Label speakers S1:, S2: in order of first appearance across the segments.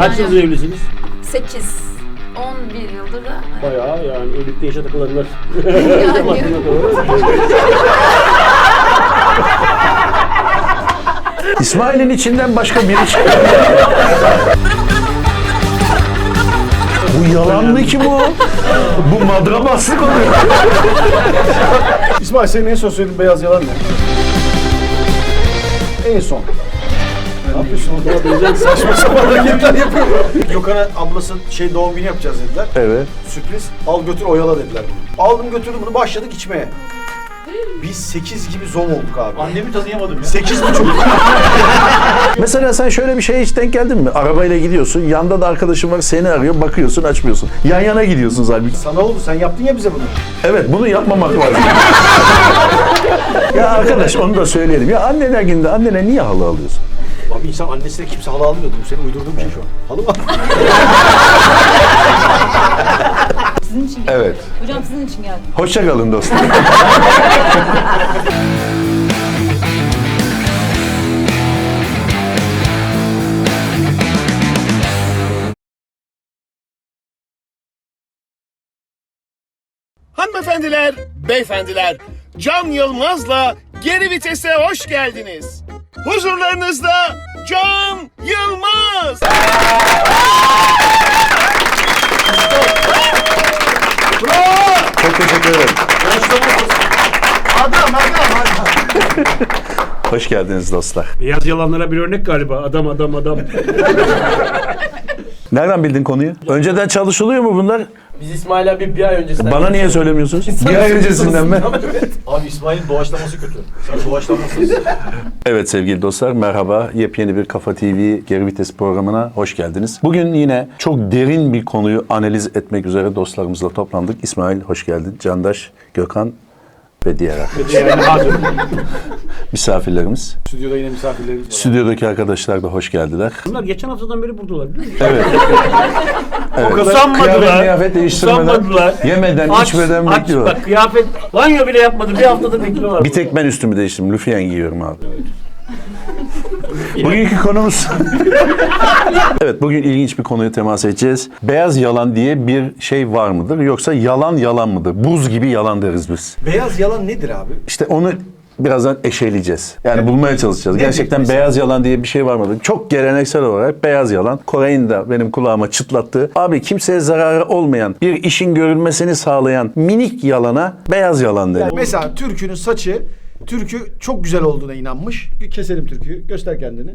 S1: Kaç yıldır evlisiniz?
S2: 8. 11 yıldır da.
S1: Bayağı yani evlilikte yaşa takılanlar.
S2: Yani.
S3: İsmail'in içinden başka biri çıkıyor. Bu yalan mı ki bu? Bu madrabaslık oluyor.
S4: İsmail senin en son söylediğin beyaz yalan ne? En son. Ne yapıyorsun? Saçma sapan hareketler yapıyor. Gökhan'a ablası doğum günü yapacağız dediler.
S3: Evet.
S4: Sürpriz. Al götür oyala dediler bunu. Aldım götürdüm bunu başladık içmeye. Biz 8 gibi zom olduk abi.
S5: Annemi tanıyamadım ya.
S4: 8,5.
S3: Mesela sen şöyle bir şeye hiç denk geldin mi? Arabayla gidiyorsun, yanda da arkadaşın var seni arıyor, bakıyorsun açmıyorsun. Yan yana gidiyorsunuz halbuki.
S4: Sana oldu sen yaptın ya bize bunu.
S3: Evet, bunu yapmamak lazım. Ya arkadaş onu da söyleyelim. Ya anneler gününde annene niye halı alıyorsun?
S4: Abi insan annesine kimse halı almıyordu. Bu senin uydurduğun bir şey şu an. Halı mı?
S6: Sizin için geldim.
S3: Evet.
S6: Hocam sizin için geldim.
S3: Hoşça kalın dostum.
S7: Hanımefendiler, beyefendiler, Can Yılmaz'la Geri Vites'e hoş geldiniz. Huzurlarınızda Can Yılmaz.
S3: Çok teşekkür ederim.
S4: Adam.
S3: Hoş geldiniz dostlar.
S1: Beyaz yalanlara bir örnek galiba. Adam.
S3: Nereden bildin konuyu? Önceden çalışılıyor mu bunlar?
S5: Biz İsmail abi bir ay öncesinden...
S3: Bana niye söylemiyorsunuz? Bir ay öncesinden mi?
S5: Abi İsmail'in doğaçlaması kötü. Sen doğaçlamasın.
S3: Evet sevgili dostlar merhaba. Yepyeni bir Kafa TV Geri Vites programına hoş geldiniz. Bugün yine çok derin bir konuyu analiz etmek üzere dostlarımızla toplandık. İsmail hoş geldin. Candaş, Gökhan ve diğer arkadaşlar. Misafirlerimiz.
S4: Stüdyoda yine misafirlerimiz var.
S3: Stüdyodaki arkadaşlar da hoş geldiler.
S1: Bunlar geçen haftadan beri buradalar biliyor musun?
S3: Evet.
S1: O kadar
S3: Kıyafet değiştirmeden, yemeden, içmeden bekliyorlar.
S1: Bak kıyafet banyo bile yapmadı. Bir haftadır bekliyorlar.
S3: Bir tek ben üstümü değiştirdim. Lüfiyen giyiyorum abi. Bugünkü konumuz... Evet, bugün ilginç bir konuya temas edeceğiz. Beyaz yalan diye bir şey var mıdır? Yoksa yalan mıdır? Buz gibi yalan deriz biz.
S4: Beyaz yalan nedir abi?
S3: İşte onu birazdan eşeleyeceğiz. Yani bulmaya çalışacağız.
S4: Nedir
S3: Gerçekten
S4: mesela?
S3: beyaz yalan diye bir şey var mıdır? Çok geleneksel olarak beyaz yalan. Koray'ın da benim kulağıma çıtlattığı. Abi kimseye zararı olmayan, bir işin görülmesini sağlayan minik yalana beyaz yalan denir.
S4: Mesela Türk'ünün saçı, Türk'ü çok güzel olduğuna inanmış. Keselim Türk'ü, göster kendini.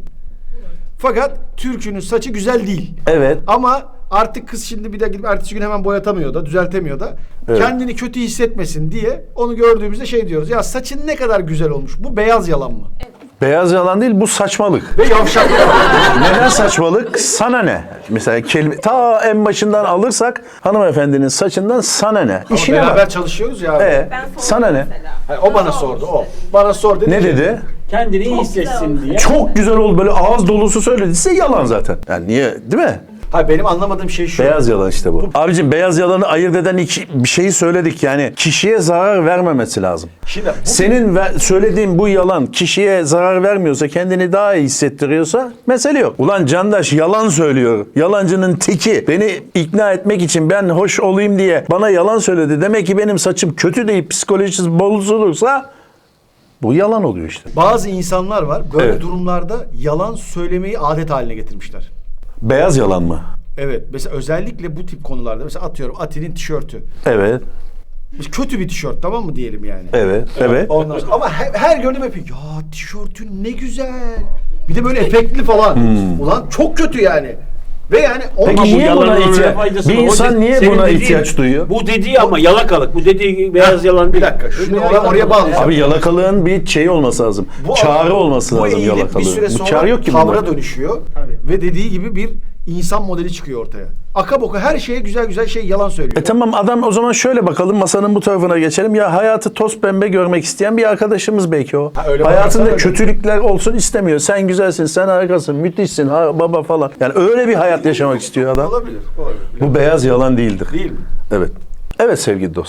S4: Fakat Türk'ünün saçı güzel değil.
S3: Evet.
S4: Ama artık kız şimdi bir de gidip ertesi gün hemen boyatamıyor da, düzeltemiyor da.
S3: Evet.
S4: Kendini kötü hissetmesin diye onu gördüğümüzde şey diyoruz. Ya saçın ne kadar güzel olmuş. Bu beyaz yalan mı?
S3: Beyaz yalan değil, bu saçmalık.
S4: Ve yavşak.
S3: Neden saçmalık? Sana ne? Mesela ta en başından alırsak hanımefendinin saçından sana ne?
S4: Ama
S3: İşine
S4: beraber
S3: bak.
S4: çalışıyoruz ya. Abi.
S3: Sana ne?
S4: Hayır, o bana sordu, o. Bana sor dedi.
S3: Ne
S4: ki,
S3: dedi?
S1: Kendini iyi hissetsin diye.
S3: Çok güzel oldu, böyle ağız dolusu söylediyse yalan zaten. Yani niye, değil mi?
S4: Hayır, benim anlamadığım şey şu.
S3: Beyaz yalan işte bu. Abicim beyaz yalanı ayırt eden bir şeyi söyledik yani. Kişiye zarar vermemesi lazım.
S4: Şimdi bu
S3: Senin söylediğin bu yalan kişiye zarar vermiyorsa, kendini daha iyi hissettiriyorsa mesele yok. Ulan Candaş yalan söylüyor. Yalancının teki. Beni ikna etmek için ben hoş olayım diye bana yalan söyledi. Demek ki benim saçım kötü deyip psikolojisi bozulursa bu yalan oluyor işte.
S4: bazı insanlar var böyle
S3: Evet.
S4: durumlarda yalan söylemeyi adet haline getirmişler.
S3: Beyaz yalan mı?
S4: Evet. Mesela özellikle bu tip konularda, mesela atıyorum Ati'nin tişörtü.
S3: Evet.
S4: Kötü bir tişört, tamam mı diyelim yani.
S3: Evet. Evet.
S4: Ondan sonra, ama her gördüğüm yapıyor. Ya tişörtün ne güzel. Bir de böyle efektli falan. Ulan çok kötü yani. Ve yani
S3: Peki
S1: Ama bu
S3: niye buna
S1: yalanın öyle
S3: ihtiyaç?
S1: faydası
S3: Bir
S1: var. O
S3: insan niye
S1: senin
S3: buna
S1: dediğin-
S3: ihtiyaç duyuyor?
S1: Bu dediği ama yalakalık. Bu dediği beyaz yalan
S4: bir
S1: değil.
S4: dakika. Şunu oraya bağlayacağım.
S3: Abi yalakalığın bir şeyi olması lazım. Çağrı olması
S4: bu
S3: lazım
S4: eğilim
S3: yalakalığın.
S4: bir süre
S3: Bu
S4: sonra
S3: çağrı yok ki
S4: tavra
S3: bunda.
S4: dönüşüyor. Ve dediği gibi bir insan modeli çıkıyor ortaya. Aka boka her şeye güzel şey yalan söylüyor.
S3: Tamam adam o zaman şöyle bakalım masanın bu tarafına geçelim. Ya hayatı toz pembe görmek isteyen bir arkadaşımız belki o.
S4: öyle
S3: Hayatında
S4: bakarsan
S3: kötülükler olsun istemiyor. Sen güzelsin, sen harikasın, müthişsin, baba falan. Yani öyle bir hayat yaşamak istiyor adam.
S4: Olabilir.
S3: Bu beyaz yalan değildir.
S4: Değil mi?
S3: Evet. Evet sevgili dostlar.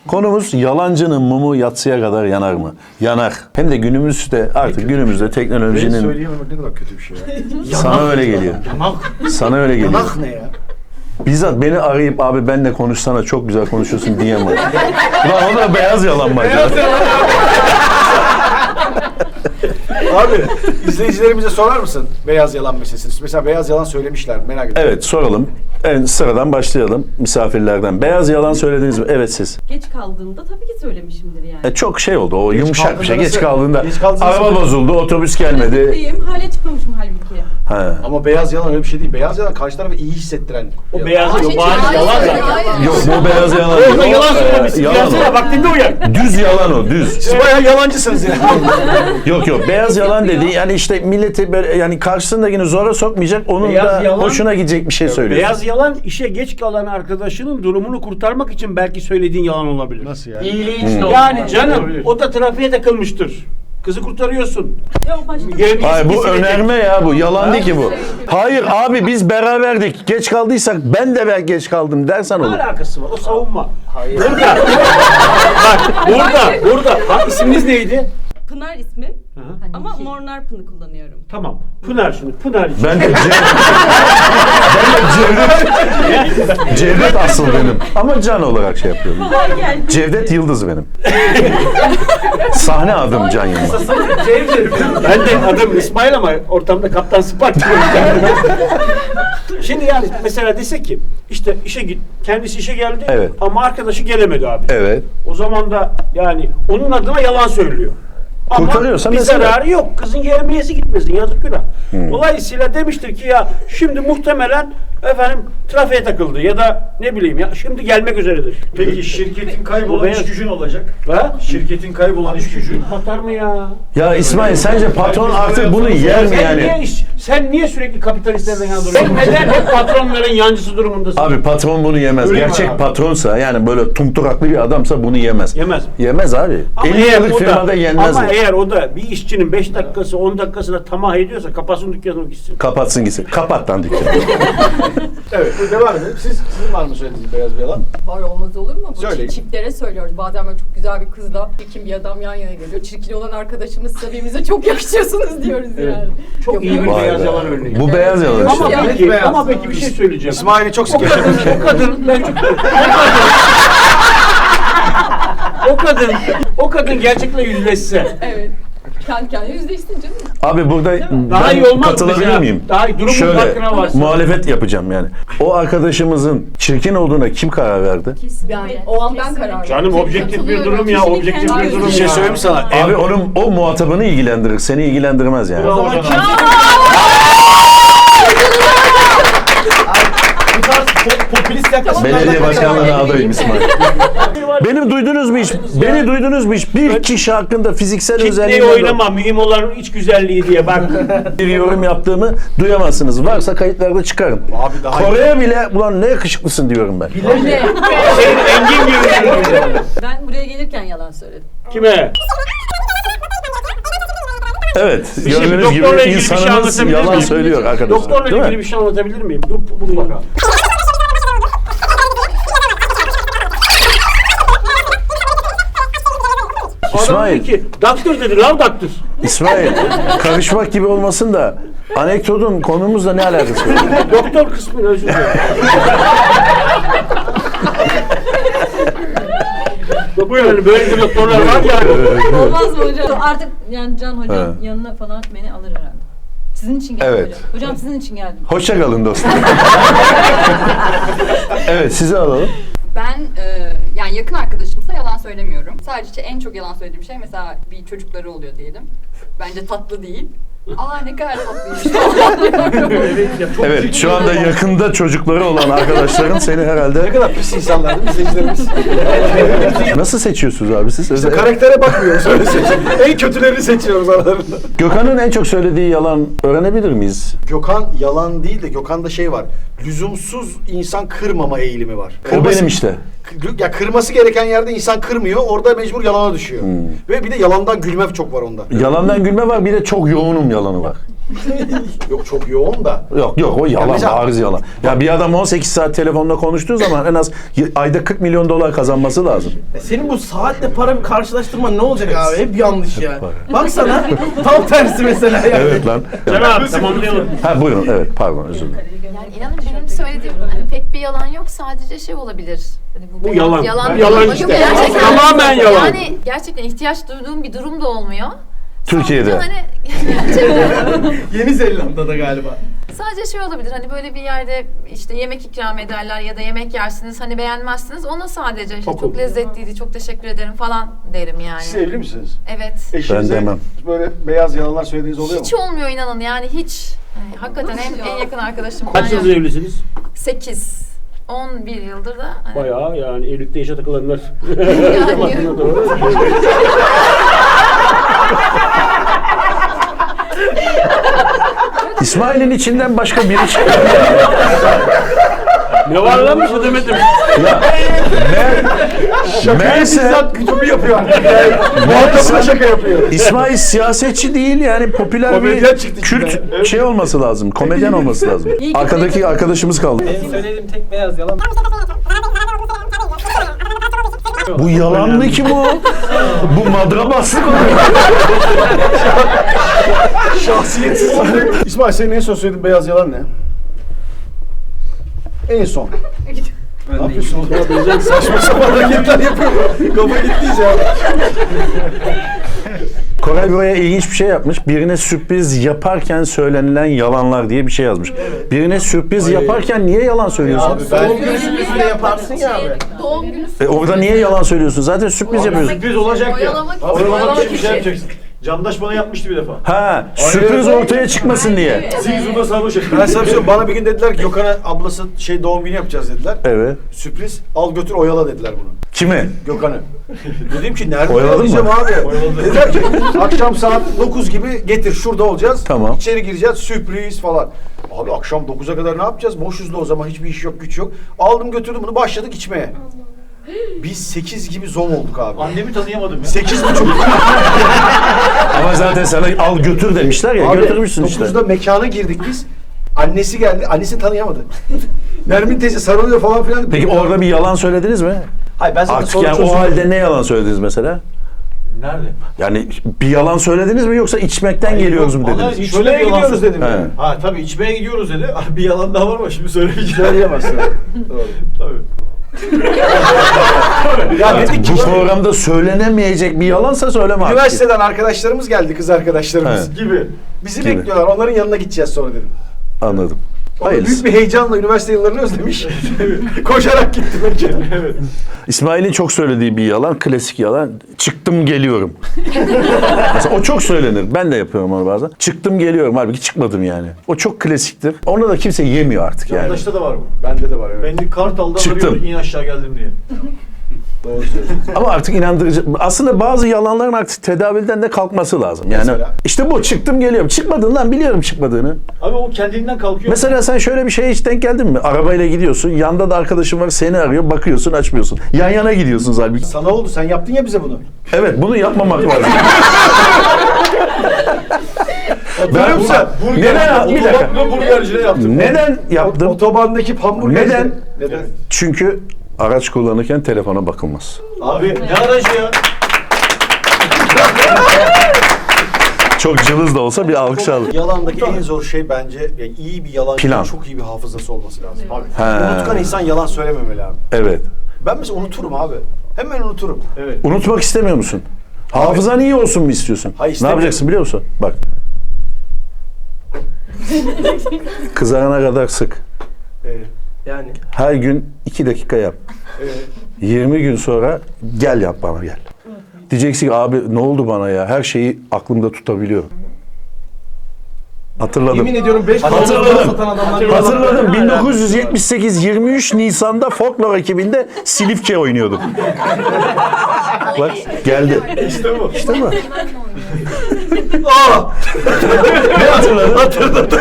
S3: Konumuz yalancının mumu yatsıya kadar yanar mı? Yanar. Hem de günümüzde artık günümüzde
S4: Benim
S3: teknolojinin
S4: söyleyememek ne kadar kötü bir şey ya.
S3: sana öyle geliyor.
S4: Yanak.
S3: Sana öyle geliyor.
S4: Yanak ne ya?
S3: Bizzat beni arayıp abi benle konuşsana çok güzel konuşuyorsun diyemem. Ulan o da beyaz yalan mı acaba?
S4: Abi izleyicilerimize sorar mısın beyaz yalan meselesini? Mesela beyaz yalan söylemişler merak ediyorum.
S3: Evet soralım. En sıradan başlayalım misafirlerden. Beyaz yalan söylediniz mi? Evet siz.
S6: Geç kaldığımda tabii ki söylemişimdir yani.
S3: Çok şey oldu o yumuşak bir şey.
S4: kaldığında
S3: Geç
S4: nasıl-
S3: kaldığında
S4: geç kaldığında
S3: araba
S4: nasıl-
S3: bozuldu, otobüs gelmedi.
S6: Diyeyim, hale çıkmamışım halbuki.
S3: Ha.
S4: Ama beyaz yalan öyle bir şey değil. Beyaz yalan karşı tarafı iyi hissettiren.
S1: O beyaz
S2: Hayır,
S1: yok. Bariz
S2: hayır,
S1: yalan
S2: hayır,
S1: zaten.
S2: hayır.
S3: Yok bu beyaz yalan.
S1: Orada
S3: değil.
S1: yalan söylemişsin.
S3: Yalan
S1: Gelsene
S3: o.
S1: vaktinde uyan.
S3: Düz yalan o düz.
S4: Siz bayağı yalancısınız yani.
S3: Yok beyaz yalan dedi yani işte milleti böyle yani karşısındakini zora sokmayacak onun
S1: Beyaz
S3: da
S1: yalan-
S3: hoşuna gidecek bir şey söylüyor.
S1: Beyaz yalan işe geç kalan arkadaşının durumunu kurtarmak için belki söylediğin yalan olabilir.
S4: Nasıl yani?
S5: İyiliğin için
S1: Yani canım o da trafiğe takılmıştır. Kızı kurtarıyorsun.
S6: Yok başka.
S3: Hayır bu önerme ya bu yalan değil ki bu. Hayır abi biz beraberdik geç kaldıysak ben de belki geç kaldım dersen
S1: Ne
S3: olur.
S1: alakası var? O savunma. Hayır. Burada. Bak burada. Bak isminiz neydi?
S6: Pınar ismi
S1: Hı.
S6: ama Mornar Pın'ı kullanıyorum.
S1: Tamam. Pınar şimdi. Pınar için.
S3: Ben de Cevdet. Cevdet asıl benim. Ama Can olarak şey yapıyorum.
S6: Kolay geldi.
S3: Cevdet Yıldız benim. Sahne adım Can Yılmaz.
S1: Ben de adım İsmail ama ortamda Kaptan Spark diyorum kendime. Şimdi yani mesela dese ki işte işe git, kendisi işe geldi
S3: Evet.
S1: ama arkadaşı gelemedi abi.
S3: Evet.
S1: O zaman da yani onun adına yalan söylüyor. Ama
S3: Kurtarıyorsa
S1: bir
S3: mesela.
S1: zararı yok. Kızın yemeğesi gitmesin. Yazık günah. Dolayısıyla demiştir ki ya şimdi muhtemelen efendim trafiğe takıldı ya da ne bileyim ya şimdi gelmek üzeredir.
S5: Peki şirketin kaybolan
S1: beyaz-
S5: iş gücün olacak.
S1: Ha?
S5: Şirketin kaybolan iş gücün.
S1: Batar mı ya?
S3: Ya İsmail sence patron artık bunu yer mi yani?
S1: Sen niye sürekli kapitalistlerden yana duruyorsun? Sen neden hep patronların yancısı durumundasın?
S3: Abi patron bunu yemez.
S1: Öyle mi
S3: Gerçek
S1: abi?
S3: patronsa yani böyle tumturaklı bir adamsa bunu yemez.
S1: Yemez.
S3: Yemez abi.
S1: Ama
S3: 50
S1: eğer
S3: yıllık
S1: o da-
S3: firmada yenmez
S1: Ama
S3: bu.
S1: eğer o da bir işçinin 5 dakikası 10 dakikasına tamah ediyorsa kapatsın dükkanını gitsin.
S3: Kapatsın gitsin. Kapat lan dükkanı.
S4: Evet devam edelim. Sizin var mı söylediğiniz beyaz bir yalan?
S8: Var olmaz olur mu? Bu
S4: Söyleyin.
S8: çiftlere söylüyoruz. Bazen böyle çok güzel bir kızla çirkin bir adam yan yana geliyor. Çirkin olan arkadaşımızsa birbirinize çok yakışıyorsunuz diyoruz yani.
S1: Çok iyi bir
S3: Vay
S1: beyaz
S3: be.
S1: yalan örneği.
S3: Bu beyaz yalan
S1: Ama
S3: işte.
S1: peki,
S4: beyaz.
S1: ama peki bir şey söyleyeceğim.
S4: İsmail'i çok
S1: O
S4: sık
S1: kadın,
S4: yaşadım.
S1: o kadın, ben çok, o kadın gerçekle yüzleşse
S8: Evet. Kendi kendine yüzleşsin canım.
S3: Abi burada
S1: daha
S3: ben
S1: iyi olmaz
S3: katılabilir
S1: mesela.
S3: miyim?
S1: Daha iyi, durumun
S3: Şöyle
S1: farkına varsın.
S3: muhalefet yapacağım yani. O arkadaşımızın çirkin olduğuna kim karar verdi?
S8: Yani o an ben karar verdim.
S1: Canım objektif bir durum ya,
S6: Kişinin
S1: objektif
S6: kendi
S1: bir durum
S4: Bir şey
S1: ya.
S4: söyleyeyim mi sana?
S3: Abi onun o muhatabını ilgilendirir, seni ilgilendirmez yani.
S1: O zaman kim?
S5: Bu tarz popülist yaklaşımlardan
S3: Belediye başkanlığına
S5: kaçınmak
S3: adayım İsmail. Beni duydunuz mu hiç? Beni duydunuz mu hiç? Bir kişi hakkında fiziksel
S1: Kitleyi
S3: özelliğinden
S1: oynama, mühim olan iç güzelliği diye bak.
S3: bir yorum yaptığımı duyamazsınız. Varsa kayıtlarda çıkarın.
S4: Abi daha iyi.
S3: Kore'ye bile ulan ne yakışıklısın diyorum ben.
S1: Senin engin gibi.
S6: Ben buraya gelirken yalan söyledim.
S1: Kime?
S3: Evet,
S1: Bir şey-
S3: gördüğünüz gibi
S1: doktorla ilgili bir şey
S3: insanımız
S1: anlatabilir
S3: yalan
S1: miyim?
S3: söylüyor arkadaşlar.
S1: Doktorla
S3: Değil mi?
S1: ilgili bir şey anlatabilir miyim? Dur bakalım. Adam
S3: İsmail.
S1: dedi ki, doktor dedi, lav doktor.
S3: İsmail, karışmak gibi olmasın da anekdotun konumuzla ne alakası var?
S1: Doktor kısmını özür dilerim. Buyurun, böyle bir doktorlar var ya.
S6: Olmaz mı hocam? Artık yani Can hocam
S3: Evet.
S6: yanına falan beni alır herhalde. Sizin için geldim
S3: Evet.
S6: hocam. Hocam sizin için geldim.
S3: Hoşça kalın dostum. Evet, sizi alalım.
S8: Ben yani yakın arkadaşımsa yalan söylemiyorum. Sadece en çok yalan söylediğim şey mesela bir çocukları oluyor diyelim. Bence tatlı değil. Aa ne kadar tatlıymış.
S3: Evet, şu anda yakında çocukları olan arkadaşların seni
S4: Ne
S3: herhalde...
S4: kadar pis insanlar değil mi izleyicilerimiz?
S3: Nasıl seçiyorsunuz abi siz?
S4: İşte karaktere bakmıyoruz öyle seçiyoruz. En kötülerini seçiyoruz aralarında.
S3: Gökhan'ın en çok söylediği yalan öğrenebilir miyiz?
S4: Gökhan yalan değil de Gökhan'da şey var. Lüzumsuz insan kırmama eğilimi var.
S3: O benim işte.
S4: Ya kırması gereken yerde insan kırmıyor. Orada mecbur yalana düşüyor. Ve bir de yalandan gülme çok var onda.
S3: Yalandan gülme var, bir de çok yoğunum yalanı var.
S4: Yok çok yoğun da.
S3: Yok o yalan,
S4: mesela-
S3: bariz yalan. Ya bir adam 18 saat telefonla konuştuğu zaman en az ayda 40 milyon dolar kazanması lazım.
S9: Senin bu saatle para bir karşılaştırman ne olacak abi? Hep yanlış ya. Baksana tam tersi mesela yani.
S3: Evet lan.
S1: Can abi tamamlayalım.
S3: Ha buyurun, evet pardon özür dilerim.
S2: Yani inanın benim söylediğim hani pek bir yalan yok, sadece şey olabilir. Hani
S1: Bu yalan.
S2: Yalan,
S1: Yalan
S2: yok,
S1: işte.
S2: gerçekten.
S1: Tamamen yalan.
S2: Yani gerçekten ihtiyaç duyduğum bir durum da olmuyor.
S3: Türkiye'de.
S2: Sadece hani gerçekten
S9: Yeni Zelanda'da galiba.
S2: sadece şey olabilir, hani böyle bir yerde işte yemek ikram ederler ya da yemek yersiniz, hani beğenmezsiniz, ona sadece işte çok lezzetliydi, çok teşekkür ederim falan derim yani.
S4: Siz evli misiniz?
S2: Evet.
S4: Eşinize
S3: Ben demem.
S4: böyle beyaz yalanlar söylediğiniz oluyor
S2: Hiç
S4: mu?
S2: olmuyor inanın yani hiç. Yani hakikaten en yakın arkadaşım.
S1: Kaç yıldır evlisiniz?
S2: 8. 11 yıldır da. Hani
S1: Bayağı yani evlilikte yaşa takılanlar.
S2: yani,
S1: Doğru.
S3: İsmail'in içinden başka biri çıkıyor.
S1: Ne var lan bir şey demedim.
S3: Meğerse
S4: Kutubu yapıyor artık. Muhatabına şaka yapıyor.
S3: İsmail siyasetçi değil yani popüler
S4: Komedyen
S3: bir
S4: çıktı
S3: Kürt
S4: içinden.
S3: şey olması lazım. Komedyen olması lazım. Arkadaki arkadaşımız kaldı.
S9: Benim söylediğim tek beyaz yalan.
S3: Bu yalan mı ki bu? Bu madrabaslık mı?
S4: Şahsiyetsiz. İsmail senin en son söylediğin beyaz yalan ne? En son. Ne yapıyorsun oğlum? Saçma sapan hareketler yapıyor. Kafa gittiyse ya.
S3: Koray buraya ilginç bir şey yapmış. Birine sürpriz yaparken söylenilen yalanlar diye bir şey yazmış. Birine sürpriz yaparken niye yalan söylüyorsun?
S9: Doğum günü sürprizi de yaparsın ya abi.
S2: doğum günü
S3: Orada niye yalan söylüyorsun? Zaten sürpriz yapıyorsun.
S5: Sürpriz olacak ya.
S2: Oyalamak için.
S5: Oyalamak için bir şey yapacaksın. Candaş bana yapmıştı bir defa.
S3: Ha, sürpriz ortaya çıkmasın diye.
S5: Zingzur'da sarhoş ettim.
S4: Ben sana bir şey söyleyeyim. Bana bir gün dediler ki Gökhan'a ablası doğum günü yapacağız dediler.
S3: Evet.
S4: Sürpriz al götür oyala dediler bunu.
S3: Kimi?
S4: Gökhan'ı. Dedim ki nerede
S3: Oyaladın
S4: oyalayacağım
S3: mı?
S4: abi? Dediler ki akşam saat 9 gibi getir şurada olacağız.
S3: Tamam.
S4: İçeri gireceğiz sürpriz falan. Abi akşam 9'a kadar ne yapacağız? Boşuz da o zaman hiçbir iş yok güç yok. Aldım götürdüm bunu başladık içmeye. Biz 8 gibi zom olduk abi.
S5: Annemi tanıyamadım ya.
S4: 8.30.
S3: Ama zaten sana al götür demişler ya.
S4: Abi
S3: Götürmüşsün işte.
S4: 9'da mekana girdik biz. Annesi geldi. Annesini tanıyamadı. Nermin teyze sarılıyor falan filan.
S3: Peki orada bir yalan söylediniz mi?
S4: Hayır ben zaten
S3: Artık
S4: sonra
S3: yani o
S4: çözüldüm.
S3: halde ne yalan söylediniz mesela?
S5: Nerede?
S3: Yani bir yalan söylediniz mi yoksa içmekten geliyoruz mu
S5: Vallahi
S3: dediniz?
S5: şöyle
S4: İçmeye
S5: bir yalan
S4: gidiyoruz
S5: söyledim.
S4: dedim.
S3: He.
S4: yani.
S5: Ha tabii içmeye gidiyoruz dedi. Bir yalan daha var ama şimdi söylemeyeceğim.
S4: Söyleyemezsin. Doğru.
S5: Tabii.
S4: Ya dedik ki
S3: Bu programda söylenemeyecek bir yalansa söyleme artık.
S4: üniversiteden arkadaşlarımız geldi, kız arkadaşlarımız.
S3: He.
S5: Gibi.
S4: Bizi
S3: Gibi.
S4: bekliyorlar. Onların yanına gideceğiz sonra dedim.
S3: Anladım.
S4: Büyük
S3: Hayırlısı.
S4: bir heyecanla üniversite yıllarını özlemiş. Koşarak gitti belki.
S5: Evet.
S3: İsmail'in çok söylediği bir yalan, klasik yalan. Çıktım geliyorum. Mesela o çok söylenir. Ben de yapıyorum onu bazen. Çıktım geliyorum. Halbuki çıkmadım yani. O çok klasiktir. Onu da kimse yemiyor artık yani.
S5: Yandaşta da var bu.
S4: Bende de var evet.
S5: Beni Kartal'dan
S3: Çıktım.
S5: arıyor in aşağı geldim diye.
S4: Doğru söylüyorsun.
S3: Ama artık inandırıcı. Aslında bazı yalanların artık tedavülden de kalkması lazım. Yani
S4: Mesela?
S3: işte bu çıktım geliyorum. Çıkmadın lan biliyorum çıkmadığını.
S5: Abi o kendiliğinden kalkıyor.
S3: Mesela sen şöyle bir şeye hiç denk geldin mi? Arabayla gidiyorsun. Yanda da arkadaşın var seni arıyor. Bakıyorsun açmıyorsun. Yan yana gidiyorsunuz halbuki.
S4: Sana oldu. Sen yaptın ya bize bunu.
S3: Evet bunu yapmamak lazım.
S4: Hatırlıyor musun?
S3: Neden? Bir dakika.
S5: Burgercide yaptım.
S3: Neden yaptım?
S4: Otobandaki hamburger.
S3: Neden?
S4: Neden?
S3: Çünkü araç kullanırken telefona bakılmaz.
S5: Abi ne aracı ya?
S3: Çok cılız da olsa bir alkış alır.
S4: Yalandaki en zor şey bence yani iyi bir yalancının
S3: Plan.
S4: çok iyi bir hafızası olması lazım. Abi.
S3: He.
S4: Unutkan insan yalan söylememeli abi.
S3: Evet.
S4: Ben mesela unuturum abi. Hemen unuturum.
S5: Evet.
S3: Unutmak istemiyor musun? Hafızan iyi olsun mu istiyorsun?
S4: Hayır,
S3: Ne
S4: istemiyorum.
S3: yapacaksın biliyor musun? Bak. Kızarana kadar sık.
S9: Yani.
S3: Her gün 2 dakika yap. 20 gün sonra gel yap bana gel. Diyeceksin ki abi ne oldu bana ya? Her şeyi aklımda tutabiliyorum. Hatırladım.
S9: Yemin ediyorum 5
S3: Hatırladım.
S9: satan adamlar.
S3: Hatırladım. 1978 23 Nisan'da Folklore ekibinde Silifke oynuyordum. Bak geldi.
S5: İşte bu.
S3: İşte bu.
S4: Ne hatırladın?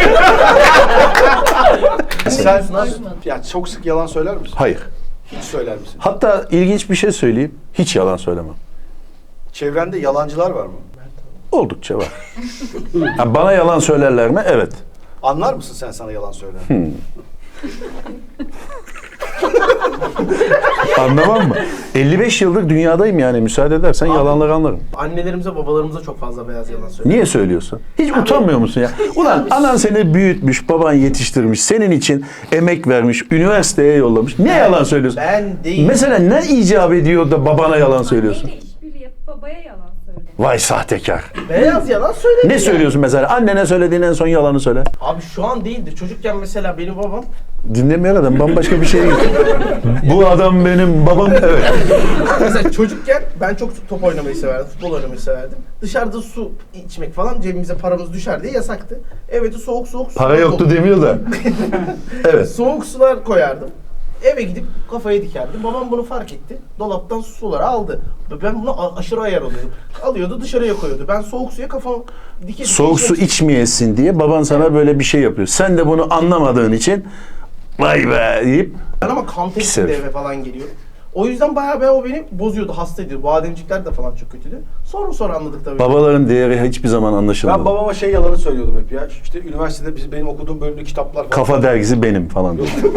S4: Sen ya çok sık yalan söyler misin?
S3: Hayır.
S4: Hiç söyler misin?
S3: Hatta ilginç bir şey söyleyeyim. Hiç yalan söylemem.
S4: Çevrende yalancılar var mı?
S3: Oldukça var. Ha, bana yalan söylerler mi? Evet.
S4: Anlar mısın sen sana yalan söyler?
S3: Anlamam mı? 55 yıldır dünyadayım yani. Müsaade edersen yalanları anlarım.
S9: Annelerimize, babalarımıza çok fazla beyaz yalan söylüyor.
S3: Niye söylüyorsun? Hiç utanmıyor musun ya? Ulan anan seni büyütmüş, baban yetiştirmiş, senin için emek vermiş, üniversiteye yollamış. Ne yalan söylüyorsun?
S9: Ben değil.
S3: Mesela ne icap ediyor da babana yalan söylüyorsun?
S10: Anneyle işbirliği yapıp babaya yalan söylüyor.
S3: Vay sahtekar.
S9: Beyaz yalan söyledi.
S3: Ne söylüyorsun mesela? Annene söylediğin en son yalanı söyle.
S9: Abi şu an değildi. Çocukken mesela benim babam
S3: Dinlemiyor adam, bambaşka bir şey. Bu adam benim babam. Evet.
S9: mesela çocukken ben çok top oynamayı severdim, futbol oynamayı severdim. Dışarıda su içmek falan cebimize paramız düşer diye yasaktı. Eve de soğuk su
S3: Para yoktu demiyor da. Evet.
S9: Soğuk sular koyardım. Eve gidip kafayı dikerdim. Babam bunu fark etti. Dolaptan suları aldı. Ben buna aşırı ayar oluyordum. Alıyordu dışarıya koyuyordu. Ben soğuk suya kafamı dike
S3: Soğuk su içmeyesin diye baban sana böyle bir şey yapıyor. Sen de bunu anlamadığın için vay be deyip
S9: Ben ama kan
S3: Pis
S9: testinde
S3: herif.
S9: eve falan geliyorum. O yüzden bayağı o beni bozuyordu, hasta ediyordu. Bademcikler de falan çok kötüydü. Sonra anladık tabii.
S3: babaların değeri hiçbir zaman anlaşılmadı.
S4: Ben babama şey yalanı söylüyordum hep ya. İşte üniversitede benim okuduğum bölümde kitaplar falan.
S3: Kafa dergisi benim falan.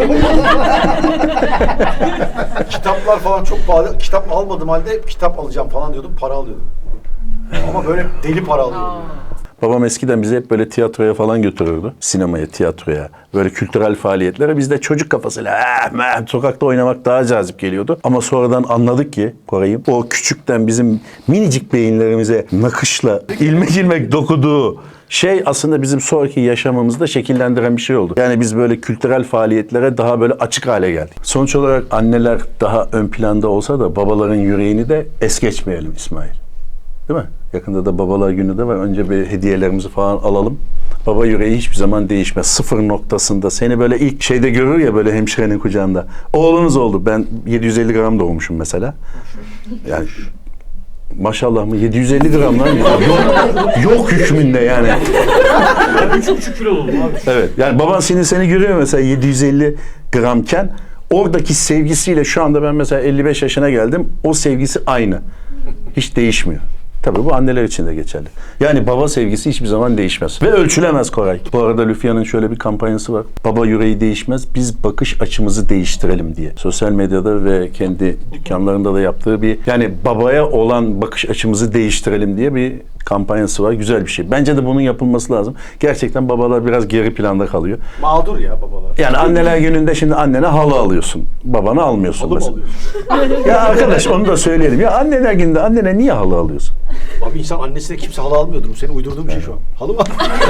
S4: Kitaplar falan çok pahalı. Kitap almadığım halde kitap alacağım falan diyordum. Para alıyordum. Ama böyle deli para alıyordum.
S3: Babam eskiden bizi hep böyle tiyatroya falan götürürdü. Sinemaya, tiyatroya, böyle kültürel faaliyetlere. Biz de çocuk kafasıyla sokakta oynamak daha cazip geliyordu. Ama sonradan anladık ki Koray'ım, o küçükten bizim minicik beyinlerimize nakışla ilmek ilmek dokuduğu şey aslında bizim sonraki yaşamımızı da şekillendiren bir şey oldu. Yani biz böyle kültürel faaliyetlere daha böyle açık hale geldik. Sonuç olarak anneler daha ön planda olsa da babaların yüreğini de es geçmeyelim İsmail. Değil mi? Yakında da babalar günü de var. Önce bir hediyelerimizi falan alalım. Baba yüreği hiçbir zaman değişmez. Sıfır noktasında. Seni böyle ilk şeyde görür ya böyle hemşirenin kucağında. Oğlunuz oldu. Ben 750 gram doğmuşum mesela. Yani maşallah mı? 750 gram lan. Yok hükmünde yani.
S5: 3,5 kilo oldum abi.
S3: Evet. Yani baban seni görüyor mesela 750 gramken oradaki sevgisiyle şu anda ben mesela 55 yaşına geldim. O sevgisi aynı. Hiç değişmiyor. Tabii bu anneler için de geçerli. Yani baba sevgisi hiçbir zaman değişmez. Ve ölçülemez Koray. Bu arada Lüfia'nın şöyle bir kampanyası var. Baba yüreği değişmez, biz bakış açımızı değiştirelim diye. Sosyal medyada ve kendi dükkanlarında da yaptığı bir, yani babaya olan bakış açımızı değiştirelim diye bir kampanyası var. Güzel bir şey. Bence de bunun yapılması lazım. Gerçekten babalar biraz geri planda kalıyor.
S4: Mağdur ya babalar.
S3: Yani anneler gününde şimdi annene halı alıyorsun. Babana almıyorsun
S4: Halı mı
S3: mesela.
S4: alıyorsun?
S3: Ya arkadaş onu da söyleyelim. Ya anneler gününde annene niye halı alıyorsun?
S4: Abi insan annesine kimse halı almıyordur. Bu senin uydurduğun bir şey şu an. Halı mı?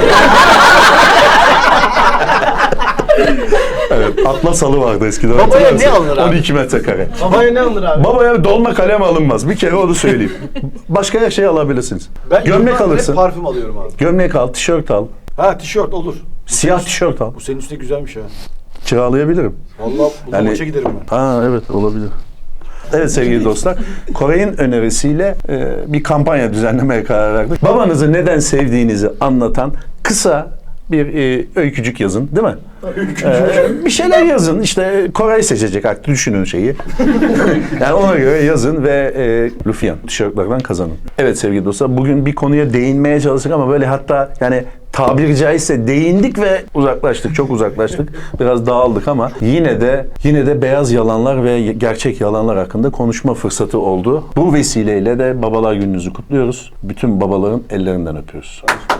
S3: Evet, atlas halı vardı eskiden.
S4: Babaya
S3: hatırlar
S4: ne
S3: mısın?
S4: alınır abi?
S3: 12 metrekare.
S9: Babaya ne alır abi?
S3: Babaya dolma kalem alınmaz. Bir kere onu söyleyeyim. Başka her şey alabilirsiniz.
S4: Ben
S3: Gömlek
S4: yıllardır hep
S3: alırsın.
S4: parfüm alıyorum abi.
S3: Gömlek al, tişört al.
S4: Ha tişört olur.
S3: Siyah tişört al.
S4: Bu senin üstüne güzelmiş ha.
S3: Kiralayabilirim.
S4: Vallahi bu
S3: Yani-
S4: maça giderim ben.
S3: Ha evet, olabilir. Evet sevgili dostlar, Koray'ın önerisiyle bir kampanya düzenlemeye karar verdik. Babanızı neden sevdiğinizi anlatan kısa bir öykücük yazın, değil mi? Bir şeyler yazın. İşte Koray seçecek artık, düşünün şeyi. Yani ona göre yazın ve Lüfian tişörtlerden kazanın. Evet sevgili dostlar, bugün bir konuya değinmeye çalıştık ama böyle hatta yani tabiri caizse değindik ve uzaklaştık. Çok uzaklaştık. Biraz dağıldık ama yine de beyaz yalanlar ve gerçek yalanlar hakkında konuşma fırsatı oldu. Bu vesileyle de Babalar Gününüzü kutluyoruz. Bütün babaların ellerinden öpüyoruz.